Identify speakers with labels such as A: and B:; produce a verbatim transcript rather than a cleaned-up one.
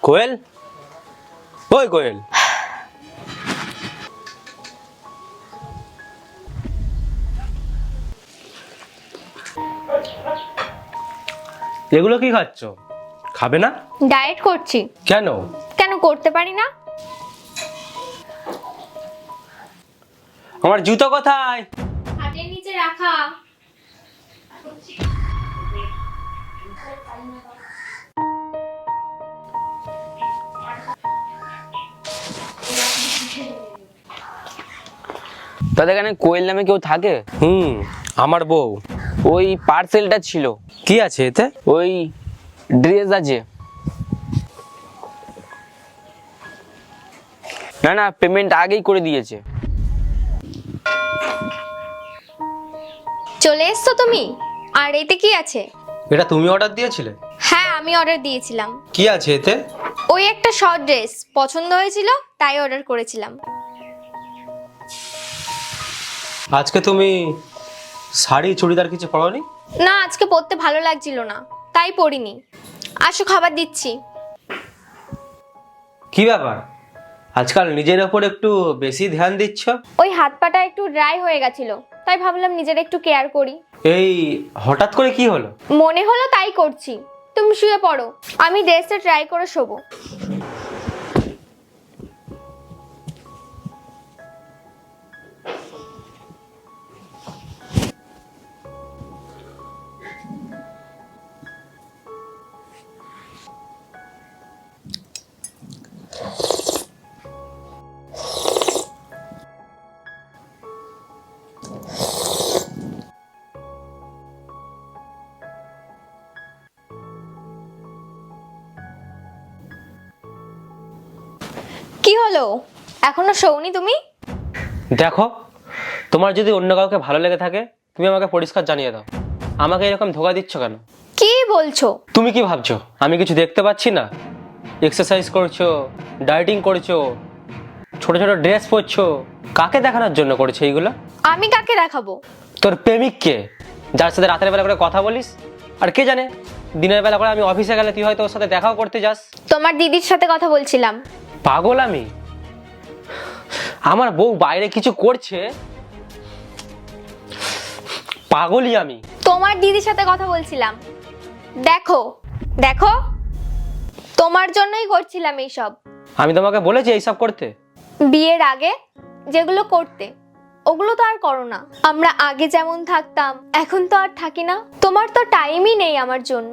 A: কোয়েল, ওই কোয়েল, এগুলো কি খাচ্ছ? খাবে না?
B: ডায়েট করছি।
A: কেন?
B: কেন করতে পারি না?
A: আমার জুতো কোথায়?
B: খাটের নিচে রাখা।
C: তাদের এখানে কোয়েল নামে কেউ থাকে?
A: হুম, আমার বউ।
C: ওই পার্সেলটা ছিল।
A: কি আছে এতে?
C: ওই ড্রেস আছে। না না, পেমেন্ট আগেই করে দিয়েছে।
B: চলে এসছো তুমি? আর এতে কি আছে?
A: এটা তুমি অর্ডার দিয়েছিলে?
B: হ্যাঁ, আমি অর্ডার দিয়েছিলাম।
A: কি আছে এতে?
B: ওই একটা শর্ট ড্রেস পছন্দ হয়েছিল, তাই অর্ডার করেছিলাম।
A: আজকে তুমি শাড়ি চুড়িদার কিছু পরোনি?
B: না, আজকে পরতে ভালো লাগছিল না, তাই পরিনি। আসো, খাবার দিচ্ছি।
A: কি ব্যাপার, আজকাল নিজের ওপর একটু বেশি ধ্যান দিচ্ছ?
B: ওই হাত পাটা একটু ড্রাই হয়ে গেছিল, তাই ভাবলাম নিজের একটু কেয়ার করি।
A: এই হঠাৎ করে কি হলো?
B: মনে হলো তাই করছি। তুমি শুয়ে পড়ো, আমি ড্রেসটা ট্রাই করে শোবো। কি হলো, এখনো শোওনি তুমি?
A: দেখো, তোমার যদি অন্য কাউকে ভালো লেগে থাকে তুমি আমাকে পরিষ্কার জানিয়ে দাও। আমাকে এরকম ধোকা দিচ্ছ কেন?
B: কি বলছো?
A: তুমি কি ভাবছো আমি কিছু দেখতে পাচ্ছি না? এক্সারসাইজ করছো, ডায়েটিং করছো, ছোট ছোট ড্রেস পরছো, কাকে দেখানোর জন্য করছো এইগুলো?
B: আমি কাকে দেখাবো?
A: তোর প্রেমিককে, যার সাথে রাতের বেলা করে কথা বলিস। আর কে জানে, দিনের বেলা করে আমি অফিসে গেলে তুই হয়তো ওর সাথে দেখাও করতে যাস।
B: তোমার দিদির সাথে কথা বলছিলাম।
A: পাগল আমি? আমার বউ বাইরে কিছু করছে, পাগলই আমি।
B: তোমার দিদির সাথে কথা বলছিলাম। দেখো দেখো, তোমার জন্যই করছিলাম এইসব।
A: আমি তোমাকে বলেছি এইসব করতে?
B: বিয়ের আগে যেগুলো করতে, ওগুলো তো আর করো না। আমরা আগে যেমন থাকতাম এখন তো আর থাকি না। তোমার তো টাইমই নেই আমার জন্য।